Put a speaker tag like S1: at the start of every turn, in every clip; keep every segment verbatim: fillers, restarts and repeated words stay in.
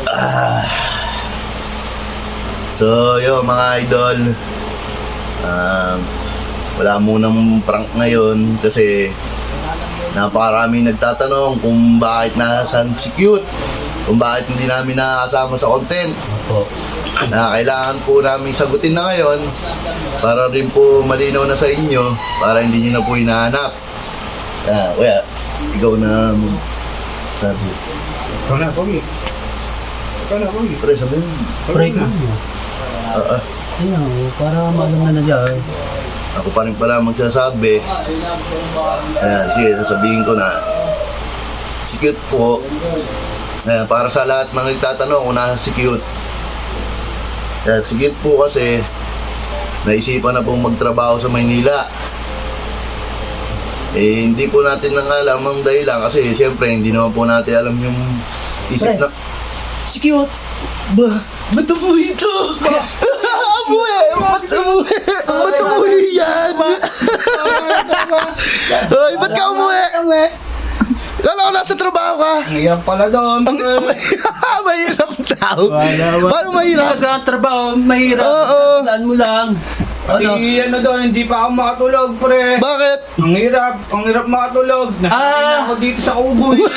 S1: Ah. So, yun mga idol. Um, wala munang prank ngayon kasi napakaraming nagtatanong kung bakit nasaan si Cute, kung bakit hindi namin nakakasama sa content.
S2: Opo.
S1: Na kailangan po namin sagutin na ngayon para rin po malinaw na sa inyo, para hindi nyo na po hinahanap. Ah, kuya, ikaw na sabi.
S3: Ikaw na, Pogi. Ikaw na, Pogi.
S1: Pre, sabi mo.
S2: Pray ka.
S1: Ah, ah.
S2: Ayun, para malam na na dyan.
S1: Ako pa rin pala magsasabi. Ayan, sige, sasabihin ko na. Si Cute po, ayan, para sa lahat ng nagtatanong kung nasa si Cute. Ayan, si Cute po kasi naisipan na pong magtrabaho sa Maynila. Eh, hindi po natin nang alam ang dahilan kasi siyempre hindi naman po natin alam yung isip na...
S2: Si Cute.
S1: Ba? Ba't umuwi ito? Umuwi! Ba't umuwi? Ba't umuwi yan? Hoy, ba't ka umuwi? Kala ko nasa trabaho ka.
S3: Ang hirap pala doon.
S1: Ang mahirap tao. Paano mahirap?
S2: Nagkatrabaho, mahirap.
S1: Oo.
S2: Tandaan mo lang. Ano?
S3: Ay, ano doon, hindi pa ako makatulog, pre.
S1: Bakit?
S3: Ang hirap, ang hirap makatulog. Nasanay
S2: Ah!
S3: na ako dito sa kubo. eh.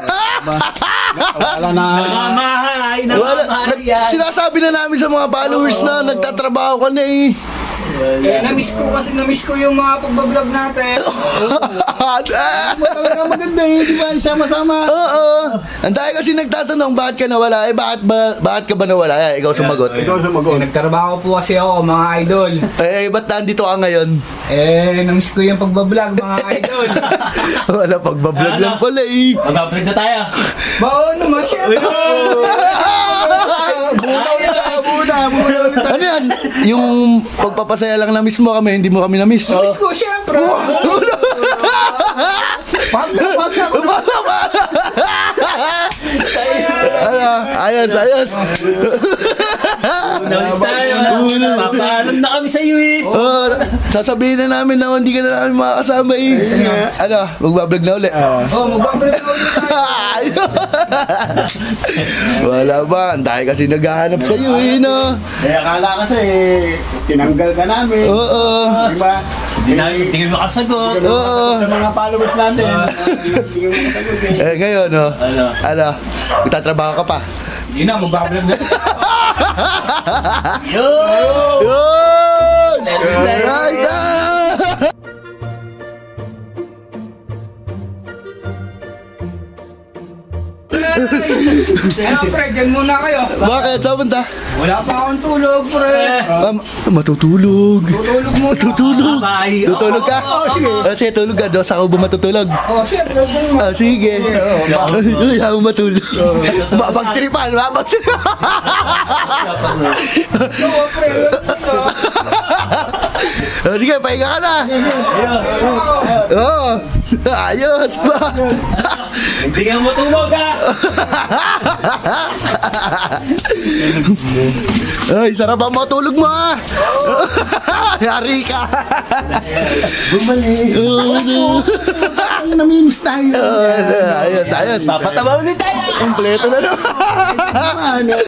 S3: Wala na.
S2: Namamahay,
S1: Wala.
S2: namamahay yan.
S1: Sinasabi na namin sa mga followers na nagtatrabaho ka na eh.
S3: Eh, na-miss ko kasi, na-miss ko yung mga pagbablog natin. Talaga maganda eh, di ba? Sama-sama.
S1: Oo. Ang dahil kasi nagtatanong bakit ka nawala. Eh bakit ba bakit ka ba nawala? Eh, ikaw sumagot.
S3: Ikaw sumagot. Eh, nagtrabaho po kasi ako, mga idol.
S1: Eh, ba't nandito ka ngayon?
S3: Eh, na-miss ko yung pagbablog, mga idol.
S1: Wala, pagbablog lang pala eh.
S2: Mag-upload na tayo.
S3: Bao naman siya. Bunaw na, buna, buna ulit.
S1: Ano yan? Yung pagpapasaya lang na miss mo kami, hindi mo kami na miss.
S3: Miss ko, syempre. Pag na, pag na.
S1: Ano? Ayos, ayos.
S2: Unalit tayo. Papaalam na kami sa iyo eh.
S1: Oh, sasabihin na namin na hindi ka na namin makakasama eh. Ano? Magbablog na ulit.
S3: Oh, magbabalik na ulit tayo.
S1: Wala ba? Ang dahil kasi naghahanap sa iyo eh, no?
S4: Kaya akala kasi, tinanggal ka namin.
S1: Oo.
S4: Di ba?
S2: Hindi na, hindi ka makasagot.
S1: Oo.
S4: Sa mga followers natin. Hindi ka makasagot eh.
S1: Eh, ngayon, no?
S2: Ano?
S1: Ano? Magtatrabaho ka pa?
S3: Hindi na, magbabalik na.
S2: Yo!
S1: Yun! Right na!
S3: Kaya, pre, dyan muna kayo.
S1: Bakit? Saan punta?
S3: Wala pa akong tulog, pre.
S1: Ah, matutulog.
S3: Tutulog muna.
S1: Tutulog.
S2: Bye.
S1: Tutulog ka?
S3: Oo, sige.
S1: Ah, sige, tulog ka. Doon sa kubo matutulog.
S3: Oh, syempre. kung-
S1: Ah, sige. Ay, ayaw matulog. Babagtripan, babagtripan.
S3: Oo, pre.
S1: Ah, sige, pahinga ka na. Oo. Ayos ba?
S2: Hindi ka matulog ah.
S1: Ay, sarap ang matulog mo ah. Yari ka.
S4: Bumalik.
S1: Oo,
S4: Ang namimiss tayo.
S1: ayos, ayos.
S2: Papataba ulit tayo.
S1: Kompleto na naman.